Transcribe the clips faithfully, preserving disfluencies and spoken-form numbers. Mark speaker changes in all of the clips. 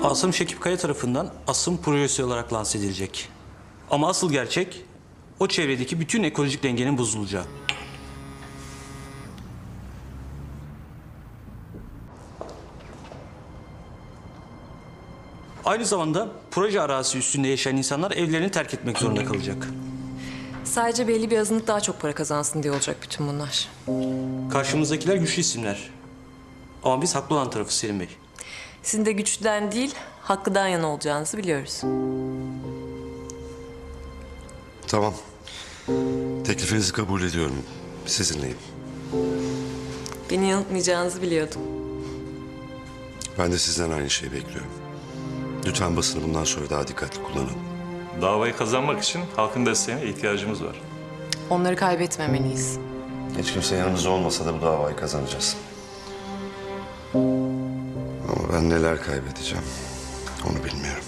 Speaker 1: Asım Şekip Kaya tarafından Asım projesi olarak lanse edilecek. Ama asıl gerçek o çevredeki bütün ekolojik dengenin bozulacağı. Aynı zamanda proje arazisi üstünde yaşayan insanlar evlerini terk etmek zorunda kalacak.
Speaker 2: Sadece belli bir azınlık daha çok para kazansın diye olacak bütün bunlar.
Speaker 1: Karşımızdakiler güçlü isimler. Ama biz haklı olan tarafı Selim Bey.
Speaker 2: Sizin de güçlüden değil, haklıdan yana olacağınızı biliyoruz.
Speaker 3: Tamam. Teklifinizi kabul ediyorum. Sizinleyim.
Speaker 2: Beni yanıltmayacağınızı biliyordum.
Speaker 3: Ben de sizden aynı şeyi bekliyorum. Lütfen basını bundan sonra daha dikkatli kullanın.
Speaker 4: Davayı kazanmak için halkın desteğine ihtiyacımız var.
Speaker 2: Onları kaybetmemeliyiz.
Speaker 3: Hiç kimse yanımızda olmasa da bu davayı kazanacağız. Ama ben neler kaybedeceğim onu bilmiyorum.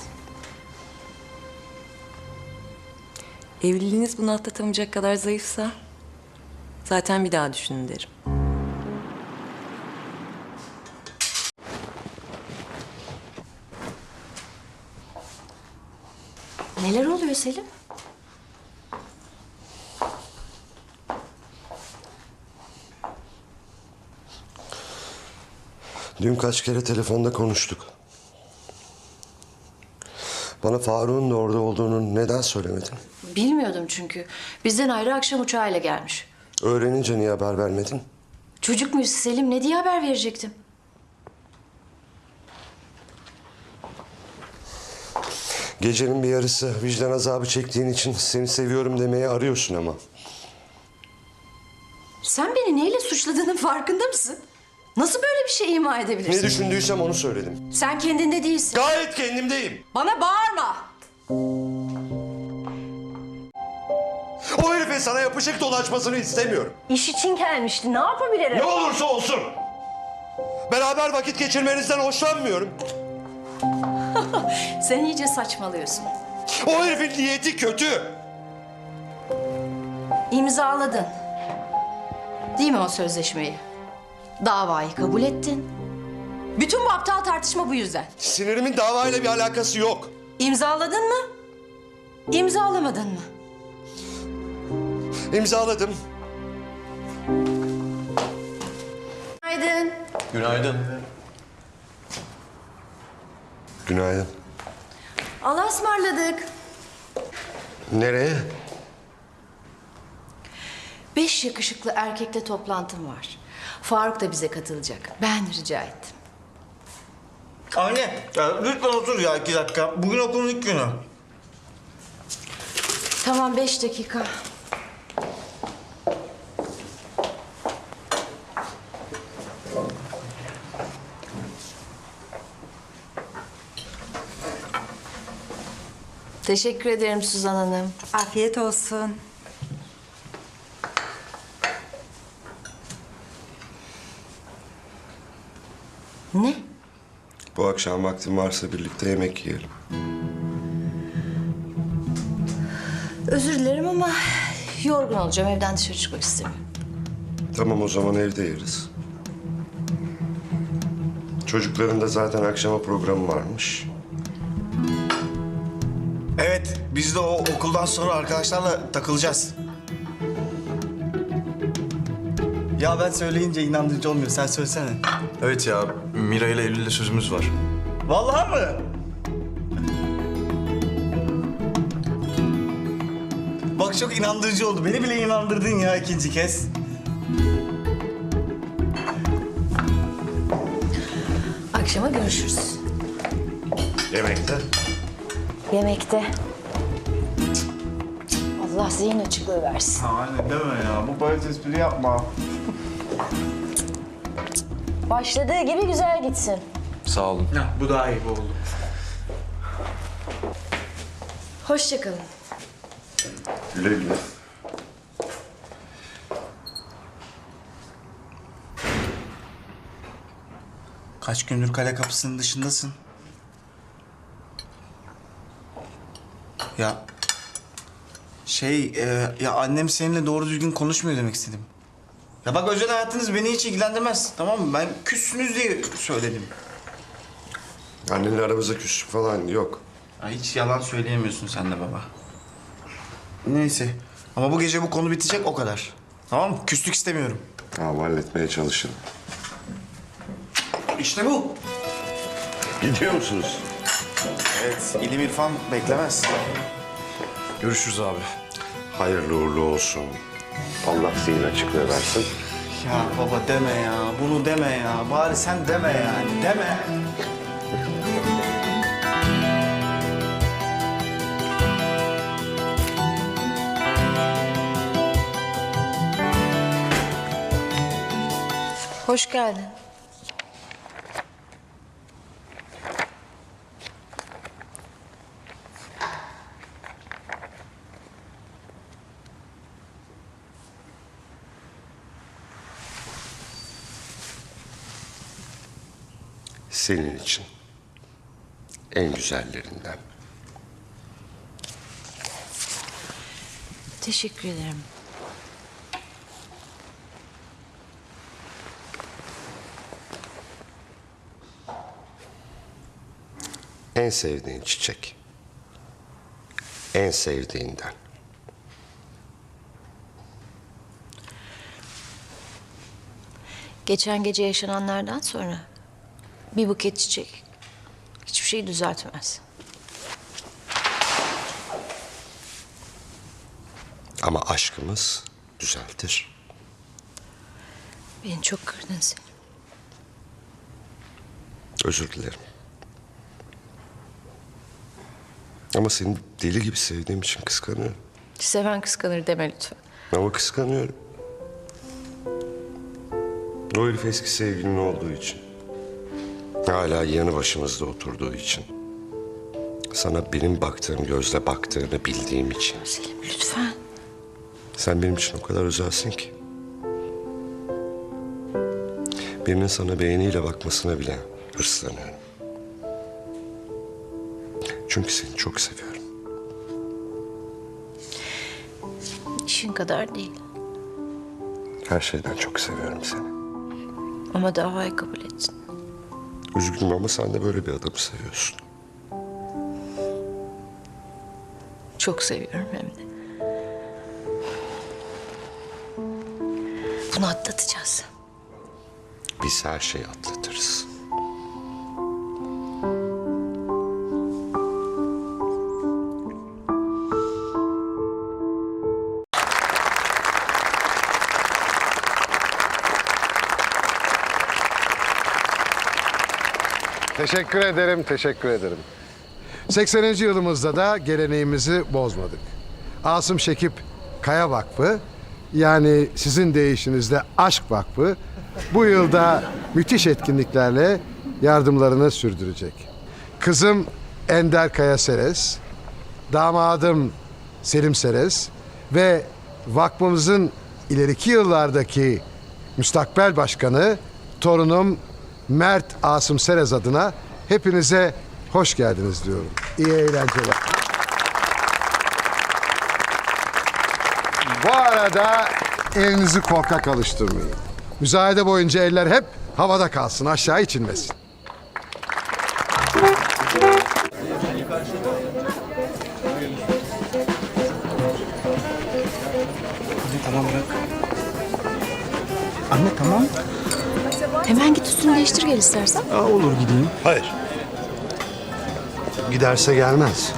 Speaker 2: Evliliğiniz bunu atlatamayacak kadar zayıfsa zaten bir daha düşünün derim.
Speaker 5: Neler oluyor Selim?
Speaker 3: Dün kaç kere telefonda konuştuk. Bana Faruk'un da orada olduğunu neden söylemedin?
Speaker 5: Bilmiyordum çünkü. Bizden ayrı akşam uçağıyla gelmiş.
Speaker 3: Öğrenince niye haber vermedin?
Speaker 5: Çocuk muyuz Selim? Ne diye haber verecektim?
Speaker 3: Gecenin bir yarısı vicdan azabı çektiğin için seni seviyorum demeye arıyorsun ama.
Speaker 5: Sen beni neyle suçladığının farkında mısın? Nasıl böyle bir şey ima edebilirsin?
Speaker 3: Ne düşündüysem onu söyledim.
Speaker 5: Sen kendinde değilsin.
Speaker 3: Gayet kendimdeyim.
Speaker 5: Bana bağırma.
Speaker 3: O herifin sana yapışık dolaşmasını istemiyorum.
Speaker 5: İş için gelmişti. Ne yapabilirim?
Speaker 3: Ne olursa olsun. Beraber vakit geçirmenizden hoşlanmıyorum.
Speaker 5: Sen iyice saçmalıyorsun.
Speaker 3: O herifin niyeti kötü.
Speaker 5: İmzaladın. Değil mi o sözleşmeyi? Davayı kabul ettin. Bütün bu aptal tartışma bu yüzden.
Speaker 3: Sinirimin davayla bir alakası yok.
Speaker 5: İmzaladın mı? İmzalamadın mı?
Speaker 3: İmzaladım.
Speaker 5: Günaydın.
Speaker 4: Günaydın.
Speaker 3: Günaydın.
Speaker 5: Allah'a ısmarladık.
Speaker 3: Nereye?
Speaker 5: Beş yakışıklı erkekle toplantım var. Faruk da bize katılacak. Ben rica ettim.
Speaker 6: Anne, ya lütfen otur ya iki dakika. Bugün okulun ilk günü.
Speaker 5: Tamam, beş dakika. Teşekkür ederim Suzan Hanım.
Speaker 7: Afiyet olsun.
Speaker 5: Ne?
Speaker 3: Bu akşam vaktin varsa birlikte yemek yiyelim.
Speaker 5: Özür dilerim ama yorgun olacağım. Evden dışarı çıkmak istemiyorum.
Speaker 3: Tamam o zaman evde yeriz. Çocukların da zaten akşama programı varmış.
Speaker 6: Evet, biz de o okuldan sonra arkadaşlarla takılacağız. Ya ben söyleyince inandırıcı olmuyor. Sen söylesene.
Speaker 8: Evet ya, Mira ile Eylül'le sözümüz var.
Speaker 6: Vallahi mı? Bak çok inandırıcı oldu. Beni bile inandırdın ya ikinci kez.
Speaker 5: Akşama görüşürüz.
Speaker 3: Yemekte.
Speaker 5: Yemekte. Allah zihin açıklığı versin.
Speaker 6: Anne deme ya. Bu böyle espri yapma.
Speaker 5: Başladığı gibi güzel gitsin.
Speaker 8: Sağ olun.
Speaker 6: Ya, bu daha iyi bu oldu.
Speaker 5: Hoşça kalın.
Speaker 3: Güle güle.
Speaker 6: Kaç gündür kale kapısının dışındasın? Ya şey e, ya annem seninle doğru düzgün konuşmuyor demek istedim. Ya bak özel hayatınız beni hiç ilgilendirmez, tamam mı? Ben küssünüz diye söyledim.
Speaker 3: Annenle aramızda küslük falan yok.
Speaker 6: Ya hiç yalan söyleyemiyorsun sen de baba. Neyse. Ama bu gece bu konu bitecek o kadar. Tamam mı? Küslük istemiyorum.
Speaker 3: Tamam, halletmeye çalışın.
Speaker 6: İşte bu.
Speaker 3: Gidiyor musunuz?
Speaker 6: Evet. İlim irfan beklemez.
Speaker 8: Görüşürüz abi.
Speaker 3: Hayırlı uğurlu olsun. Allah zihin açıklığı versin.
Speaker 6: Ya baba deme ya. Bunu deme ya. Bari sen deme yani. Deme.
Speaker 5: Hoş geldin.
Speaker 3: Senin için. En güzellerinden.
Speaker 5: Teşekkür ederim.
Speaker 3: En sevdiğin çiçek. En sevdiğinden.
Speaker 5: Geçen gece yaşananlardan sonra bir buket çiçek hiçbir şeyi düzeltmez.
Speaker 3: Ama aşkımız düzeltir.
Speaker 5: Beni çok kırdın Selim.
Speaker 3: Özür dilerim. Ama seni deli gibi sevdiğim için kıskanıyorum.
Speaker 5: Seven kıskanır deme lütfen.
Speaker 3: Ama kıskanıyorum. O herif eski sevgilin olduğu için. Hala yanı başımızda oturduğu için. Sana benim baktığım gözle baktığını bildiğim için.
Speaker 5: Selim lütfen.
Speaker 3: Sen benim için o kadar özelsin ki. Birinin sana beğeniyle bakmasına bile hırslanıyorum. Çünkü seni çok seviyorum.
Speaker 5: İşin kadar değil.
Speaker 3: Her şeyden çok seviyorum seni.
Speaker 5: Ama davayı kabul ettin.
Speaker 3: Üzgünüm ama sen de böyle bir adamı seviyorsun.
Speaker 5: Çok seviyorum hem de. Bunu atlatacağız.
Speaker 3: Biz her şeyi atlatırız.
Speaker 7: Teşekkür ederim, teşekkür ederim. sekseninci yılımızda da geleneğimizi bozmadık. Asım Şekip Kaya Vakfı, yani sizin deyişinizde Aşk Vakfı, bu yılda müthiş etkinliklerle yardımlarını sürdürecek. Kızım Ender Kaya Seres, damadım Selim Seres ve vakfımızın ileriki yıllardaki müstakbel başkanı torunum Mert Asım Serez adına hepinize hoş geldiniz diyorum. İyi eğlenceler. Bu arada elinizi korkak alıştırmayın. Müzayede boyunca eller hep havada kalsın, aşağı hiç inmesin.
Speaker 6: Anne tamam bırak. Anne tamam.
Speaker 5: Hemen git üstünü değiştir gel istersen.
Speaker 6: Aa, olur gideyim.
Speaker 3: Hayır. Giderse gelmez.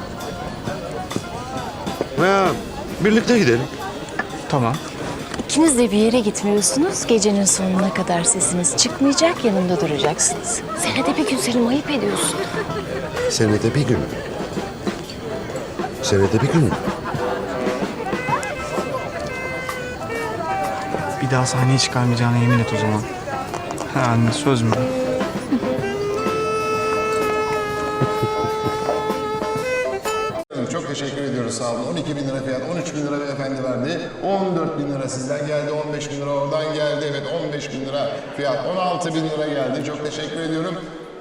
Speaker 3: Ya, birlikte gidelim.
Speaker 6: Tamam.
Speaker 9: İkiniz de bir yere gitmiyorsunuz. Gecenin sonuna kadar sesiniz çıkmayacak, yanımda duracaksınız. Senede bir gün Selim, ayıp ediyorsun.
Speaker 3: Senede bir gün. Senede bir gün mü?
Speaker 6: Bir daha sahneye çıkarmayacağına yemin et o zaman. Ha anne söz mü?
Speaker 10: Çok teşekkür ediyoruz, sağ olun. on iki bin lira fiyat, on üç bin lira beyefendi verdi. on dört bin lira sizden geldi, on beş bin lira oradan geldi. Evet, on beş bin lira fiyat, on altı bin lira geldi. Çok teşekkür ediyorum.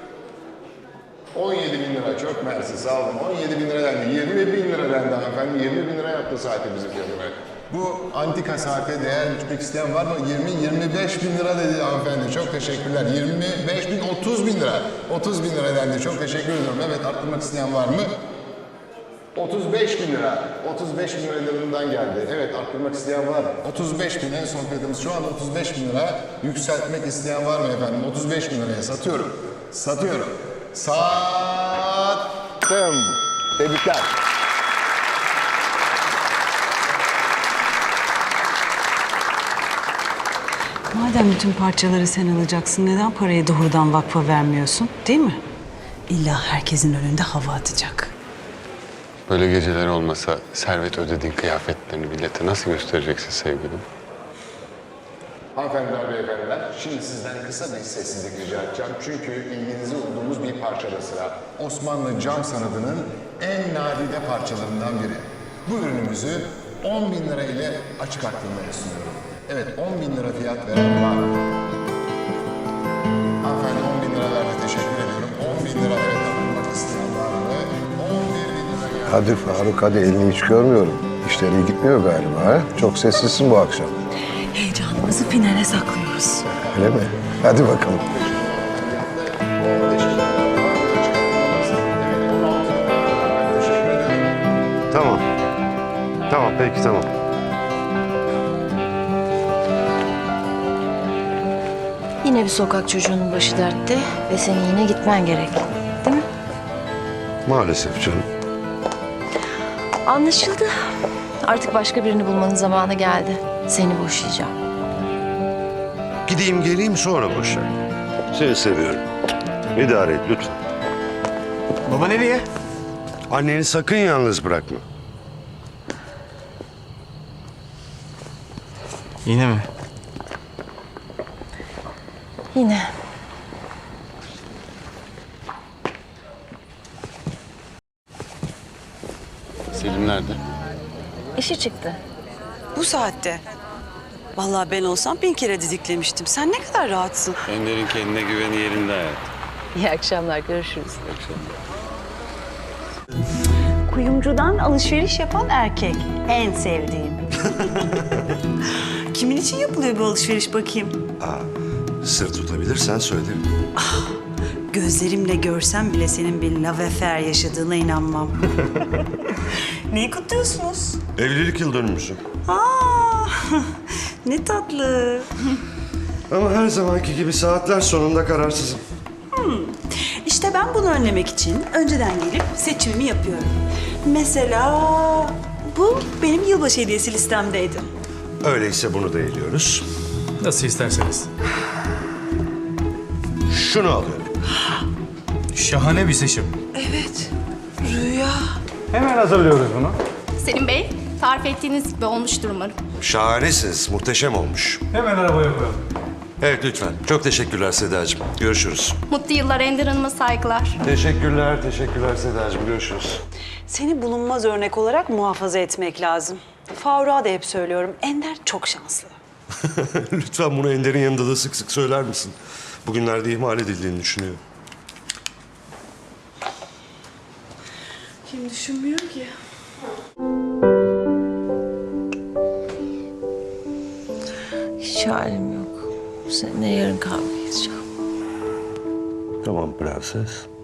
Speaker 10: on yedi bin lira, çok mersi, sağ olun. on yedi bin lira dendi, yirmi bin lira dendi hanımefendi. yirmi bin lira yaptı saati bizi fiyatı. Bu antika saate değer biçmek isteyen var mı? yirmi yirmi beş bin lira dedi hanımefendi. Çok teşekkürler. yirmi beş bin, otuz bin lira. otuz bin lira dendi. Çok teşekkür ediyorum. Evet, arttırmak isteyen var mı? otuz beş bin lira. otuz beş bin lira liranından geldi. Evet, arttırmak isteyen var. otuz beş bin en son fiyatımız şu an otuz beş bin lira. Yükseltmek isteyen var mı efendim? otuz beş bin liraya satıyorum. Satıyorum. Sattım. Tebrikler.
Speaker 11: Madem bütün parçaları sen alacaksın, neden parayı doğrudan vakfa vermiyorsun, değil mi? İlla herkesin önünde hava atacak.
Speaker 12: Böyle geceler olmasa servet ödediğin kıyafetlerini millete nasıl göstereceksin sevgilim?
Speaker 10: Hanımefendiler, beyefendiler, şimdi sizden kısa bir sessizlik rica edeceğim. Çünkü ilginizi umduğumuz bir parçada sıra. Osmanlı cam sanatının en nadide parçalarından biri. Bu ürünümüzü on bin lira ile açık arttırmaya sunuyorum. Evet, on bin lira fiyat veren var. Hanımefendi on bin lira verdi, teşekkür ediyorum. on bin lira evet arttırmak isteyen var mı? on bir bin lira geldi.
Speaker 3: Hadi Faruk, hadi elini hiç görmüyorum. İşleri iyi gitmiyor galiba ha? Çok sessizsin bu akşam.
Speaker 11: Heyecanımızı finale saklıyoruz.
Speaker 3: Öyle mi? Hadi bakalım. Tamam. Tamam, peki tamam.
Speaker 9: Yine bir sokak çocuğunun başı dertte ve senin yine gitmen gerek. Değil mi?
Speaker 3: Maalesef canım.
Speaker 9: Anlaşıldı. Artık başka birini bulmanın zamanı geldi. Seni boşayacağım.
Speaker 3: Gideyim geleyim sonra boşa. Seni seviyorum. İdare et lütfen.
Speaker 6: Baba nereye?
Speaker 3: Anneni sakın yalnız bırakma.
Speaker 6: Yine mi?
Speaker 9: Yine.
Speaker 12: Selim nerede?
Speaker 9: İşi çıktı.
Speaker 11: Bu saatte. Vallahi ben olsam bin kere didiklemiştim. Sen ne kadar rahatsın.
Speaker 12: Ender'in kendine güveni yerinde hayat.
Speaker 9: İyi akşamlar, görüşürüz.
Speaker 11: Kuyumcudan alışveriş yapan erkek. En sevdiğim. Kimin için yapılıyor bu alışveriş bakayım?
Speaker 3: Sır tutabilirsen söylerim.
Speaker 11: Gözlerimle görsem bile senin bir love affair yaşadığına inanmam. Neyi kutluyorsunuz?
Speaker 3: Evlilik yıl dönümümüzü.
Speaker 11: Aa, ne tatlı.
Speaker 3: Ama her zamanki gibi saatler sonunda kararsızım.
Speaker 11: İşte ben bunu önlemek için önceden gelip seçimimi yapıyorum. Mesela bu benim yılbaşı hediyesi listemdeydi.
Speaker 3: Öyleyse bunu da eliyoruz.
Speaker 8: Nasıl isterseniz.
Speaker 3: Şunu alıyorum.
Speaker 8: Şahane bir seçim.
Speaker 11: Evet, rüya.
Speaker 8: Hemen hazırlıyoruz bunu.
Speaker 5: Selim Bey, tarif ettiğiniz gibi olmuştur umarım.
Speaker 3: Şahanesiniz, muhteşem olmuş.
Speaker 8: Hemen arabaya koyalım.
Speaker 3: Evet lütfen. Çok teşekkürler Sedacığım. Görüşürüz.
Speaker 5: Mutlu yıllar Ender Hanım'a saygılar.
Speaker 3: Teşekkürler, teşekkürler Sedacığım. Görüşürüz.
Speaker 11: Seni bulunmaz örnek olarak muhafaza etmek lazım. Faruk'a da hep söylüyorum, Ender çok şanslı.
Speaker 3: Lütfen bunu Ender'in yanında da sık sık söyler misin? Bugünlerde ihmal edildiğini düşünüyor.
Speaker 11: Kim düşünmüyor ki?
Speaker 2: Hiç halim yok. Seninle yarın kahve içeceğim.
Speaker 3: Tamam prenses.